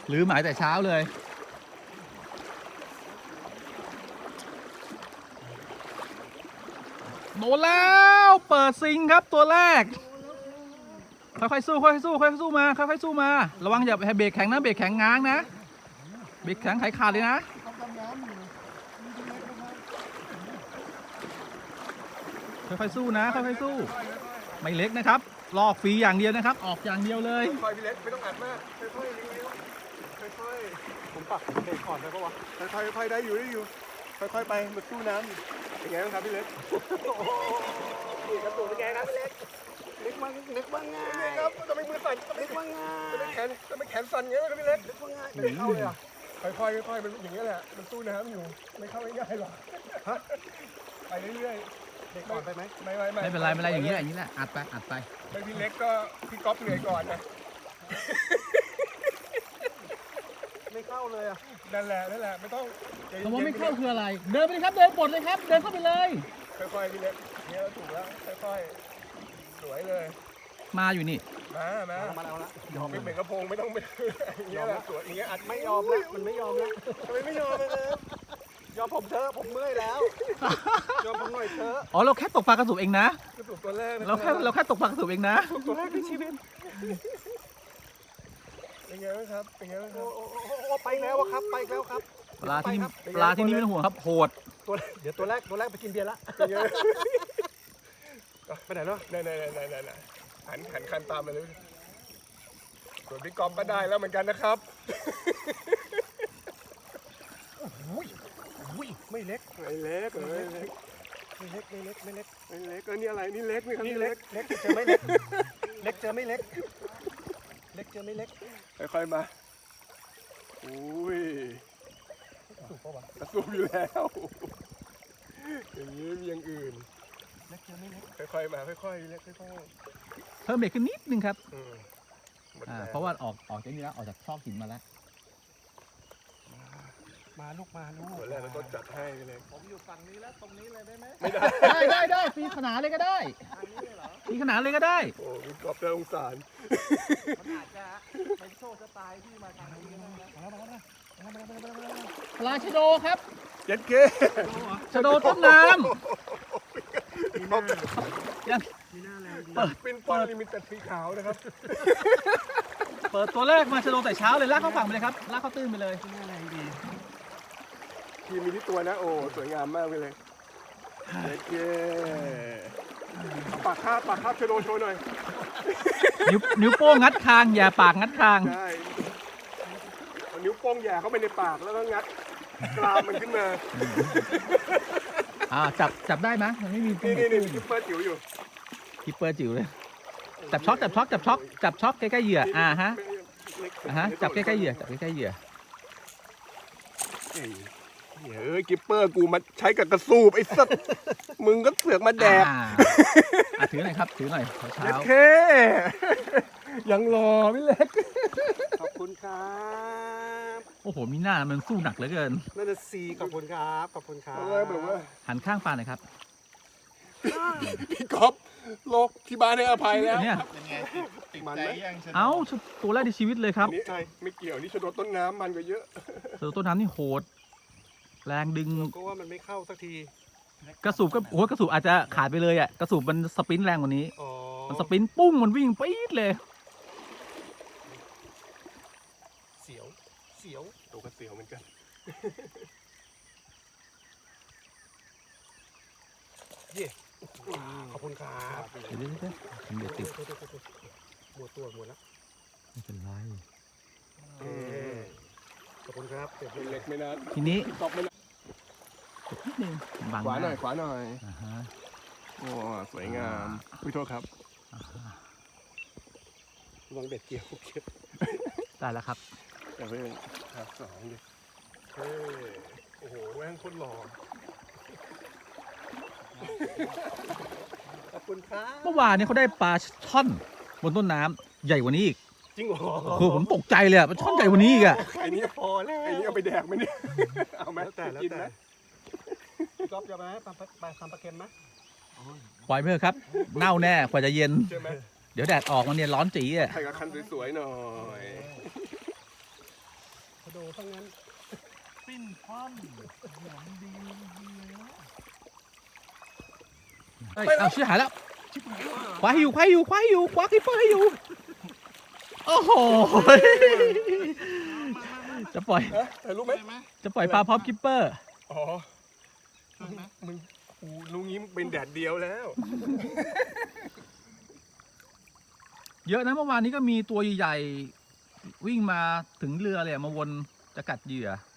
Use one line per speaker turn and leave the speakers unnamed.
หรือหมายแต่เช้าเลยโดนแล้วเปิดซิงครับตัวแรกค่อยๆสู้ค่อยๆสู้ค่อยๆสู้มาค่อยๆสู้มาระวังอย่าให้เบรกแข็งนะเบรกแข็งง้างนะเบรกแข็งขาดเลยนะค่อยๆสู้นะค่อยๆสู้ไม่เล็กนะครับลอกฟรีอย่างเดียวนะครับออกอย่างเดียวเลย
ค่อยพี่เล็กไม่ต้องอัดมากค่อยๆเลี้ยวๆค่อยๆผมปักเบรกก่อนได้ปะวะค่อยๆได้อยู่ค่อยๆไปมาสู้น้ำเป็นไงบ้างครับพี่เล็กนี่กระตุกเป็นไงครับพี่เล็กนึกว่าง่ายครับทำไมมือสั่นนึกว่าง่ายทำไมแขนสั่นอย่างนี้ครับพี่เล็กนึกว่าง่ายไม่เข้าเลยอ่ะค่อยๆมันอย่างนี้แหละมันสู้น้ำอยู่ไม่เข้าง่ายหรอกไปเรื่อยๆเด็กก่อนไปไหม
ไม่เป็นไรไม่เป็นไรอย่างนี้แหละอัดไป
ไม่พี่เล็กก็พี่ก๊อฟเหนื่อยก่อนนะไม่เข้าเลยอ่ะนั่นแหละไม่ต้อง
คำว่าไม่เข้าคืออะไรเดินไปเลยครับเดินปลดเลยครับเดินเข้าไปเลย
ค่อยๆพี่เล็กเนี่ยถูกแล้วค่อยๆสวยเลย
มาอยู่นี่
มาแล้วละยอมไม่เหมือนกระพงไม่ต้องอย่างเงี้ยแหละสวยอย่างเงี้ยอัดไม่ยอมแล้วมันไม่ยอมแล้วทำไมไม่ยอมเลยยอมผมเถอะผมเมื่อยแล้วยอมผมหน่อยเถอะ
อ๋อเราแค่ตกปลากระสุบเองนะ
กระสุบตัวแรก
เราแค่ตกปลากระสุบเองนะ
ตัวแรกในชีวิตเป็นไงบ้างครับเป็นไงบ้างครับโอ้ไปแล้วครับไปแล้วครับ
ปลาที่นี่ไม่ต้องห่วงครับโหด
เดี๋ยวตัวแรกไปกินเบียร์ละไปไหนเนาะไหนหันคันตามไปเลยส่วนพี่กอมก็ได้แล้วเหมือนกันนะครับไม่เล็กก็นี่อะไรนี่เล็กไหมครับนี่เล็กเจอไม่เล็กเจอไม่เล็กค่อยๆมาอุ้ยกระสุนอยู่แล้วอย่างนี้มีอย่างอื่นเล็กเจอไม่เล็กค่อยๆมาค่อยๆเล็กค่อย
ๆเพิ่มเบรกขึ้นนิดนึงครับเพราะว่าออกจากนี้แล้วออกจากซอกหินมาแล้ว
มาลูกตัวแรกเราต้องจัดให้เลยผมอยู่ฝั่งนี้แล้วตรงนี้เลยได้ไหม
ไม่ได้ปีขนาดเลยก็ได้ปีขนาดเลยก็ได้
โอ้ยกอบเจอองศา
มันอาจจะเป็นโชคชะตาที่มาทางนี้นะ
ปลาชะโดครับ
เจ็ดเค
ชะโดต้นน้ำ
ยังเปิดลิมิตแต่สีขาวนะครับ
เปิดตัวแรกมาชะโดแต่เช้าเลยลากเข้าฝั่งไปเลยครับลากเข้าตื้นไปเลย
แรงดีทีมีที่ตัวนะโอ้สวยงามมากเลยเจ็ดเคปากคาบชะโดโชว์หน่อย
นิ้วโป้งงัดคางอย่าปากงัดคาง
ใช่นิ้วโป้งแย่เข้าไปในปากแล้วก็งัดกรามมันขึ้นมา
จับได้ไหมมันไม่มี
นี่คิปเปอร์จิ๋วอยู่
คิปเปอร์จิ๋วเลยจับช็อกใกล้ๆเหยื่อจับใกล้ๆเหยื่อ
กิปเปอร์กูมาใช้กับกระสูบไอ้สัตว์มึงก็เสือกมาแดก
ถือหน่อยครับถือหน่อยเช้า
เคยังรอพี่เล็กขอบคุณครับ
โอ้โหมีหน้ามันสู้หนักเหลือเกิน
นั่นน่ะสิขอบคุณครับแบบว่า
หันข้างปลาหน่อยครับ
พี่ก๊อฟโลกที่บ้านให้อภัยแล้ว
เนี่ย
ติดใจยัง
ตัวแรกในชีวิตเลยครับ
นี่ไม่เกี่ยวนี่ชะโดดต้นน้ำมันก็เยอะ
ชะโดดต้นน้ำนี่โหดแรงดึง
ก็ว่ามันไม่เข้าสักที
กระสูบก็กระสูบอาจจะขาดไปเลยอ่ะกระสูบมันสปรินต์แรงกว่านี้มันสปรินต์ปุ้งมันวิ่งปี๊ดเลย
เสียวตัวก็เสียวเหมือนกันเย่ขอบคุณครับ
เดี๋ยวติด
หมดแล้ว
ไม่เป็นไร
ขอบคุณครับเล็กไม่นาน
ทีนี้
ตบไม่นาน
นิดนึง
ขวาหน่อยโอ้สวยงามพี่โทษครับวางเบ็ดเกี่ยว
ได้แล้วครับ
อย่าเพิ่งสองดิโอ้โหแม่งโคตรหล่อขอบคุณครับ
เมื่อวานนี้เขาได้ปลาช่อนบนต้นน้ำใหญ่กว่านี้อีก
จริงเหรอ
คือผมตกใจเลยปลาช่อนใหญ่กว่านี้อีกอ่ะ
ไอ้นี่พอแล้วไอ้นี่เอาไปแดกไหมเนี่ยเอาไหมแต่กินนะก๊อฟจะไปไหมทำปลาเค็มไหม
ปล่อยเพื่อครับเน่าแน่กว่าจะเย็นเดี๋ยวแดดออกมันเนี่ยร้อนจี๋อ่ะ
ใส่กระคันสวยๆหน่อยดทั้งนั้น
ปิ้นคว่ำหอมดีเฮ้ย
เฮ้ยเอาชื่อหายแล้วคว้าให้อยู่คว้าให้อยู่คว้าให้อยู่คว้าคิปเปอร์ให้อยู่โอ้โหจะปล่อย
ถ่ายรูปไหม
จะปล่อยปลาพร้อมคิปเปอร์
อ๋อมึงกูลุงยิ้มเป็นแดดเดียวแล้ว
เยอะนะเมื่อวานนี้ก็มีตัวใหญ่ๆวิ่งมาถึงเรือเลยอะมาวนจะกัดเหยื่อ